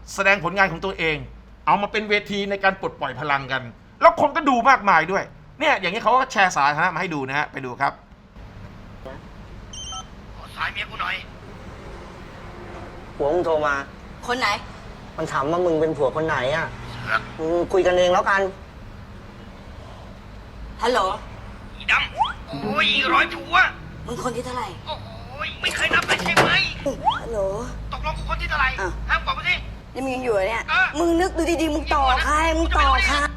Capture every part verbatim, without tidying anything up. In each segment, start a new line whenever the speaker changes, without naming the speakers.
แสดงผลงานของตัวเอง เอามาเป็นเวทีในการปลดปล่อยพลังกัน แล้วคนก็ดูมากมายด้วยเนี่ยอย่างนี้เขาก็แชร์สาธารณะมาให้ดูนะฮะไปดูครับ
ขอสายเมียกูหน่อย
ผัวมึงโทรมา
คนไหน
มันถามว่ามึงเป็นผัวคนไหนอ่ะ
เสือก
มึงคุยกันเองแล้วกัน
ฮัลโหล
อีดำโอ้ยร้อยผัว
มึงคนที่เท่าไหร่
โอ้ยไม่เคยนับเลยใช่ไหม
ฮัลโหล
ตกลงกูคนที่เท่าไหร่ห้ามบอกมาสิ
ยังมีอยู่เนี่ย
เออ
มึงนึกดูดีๆมึงต่อใครมึงต่อใคร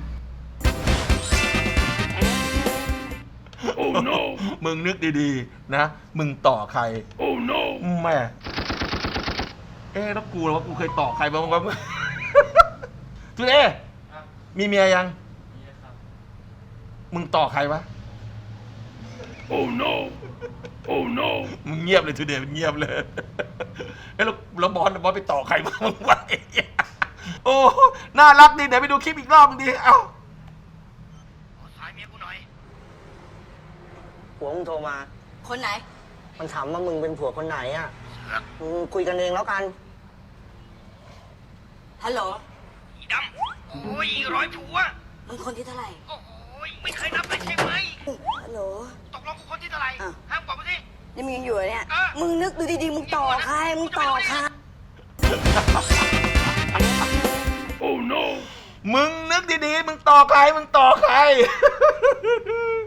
โอ้ no มึงนึกดีๆนะมึงต่อใครโอ้ no แม่เอ๊ะแล้วกูล่ะว่ากูเคยต่อใครบ้างวะทุเรศมีเมียยังมึงต่อใครวะโอ้ no โอ้ no มึงเงียบเลยทุเรศมึงเงียบเลยเอ้แล้วแล้วบอลบอลไปต่อใครบ้างมึงวะโอ้น่ารักดีเดี๋ยวไปดูคลิปอีกรอบมึงดิเอ้า
ขอสายเมียกูหน่อย
ผัวมึงโทรมา
คนไหน
มันถามว่ามึงเป็นผัวคนไหนอ่ะ
เสือก
มึงคุยกันเองแล้วกัน
ฮัลโหล
อีดำโอ้ยร้อยผัว
มึงคนที่เท่าไหร่
โอ้ยไม่เคยนับเลยใช่ไหม
ฮัลโหล
ตกลงกูคนที่เท่าไหร่ห้ามบอกมาสิ
ยังมีอยู่เนี่ย
เออ
มึงนึกดูดีๆมึงต่อใครมึงต่อใคร
โอ้ no มึงนึกดีๆมึงต่อใครมึงต่อใคร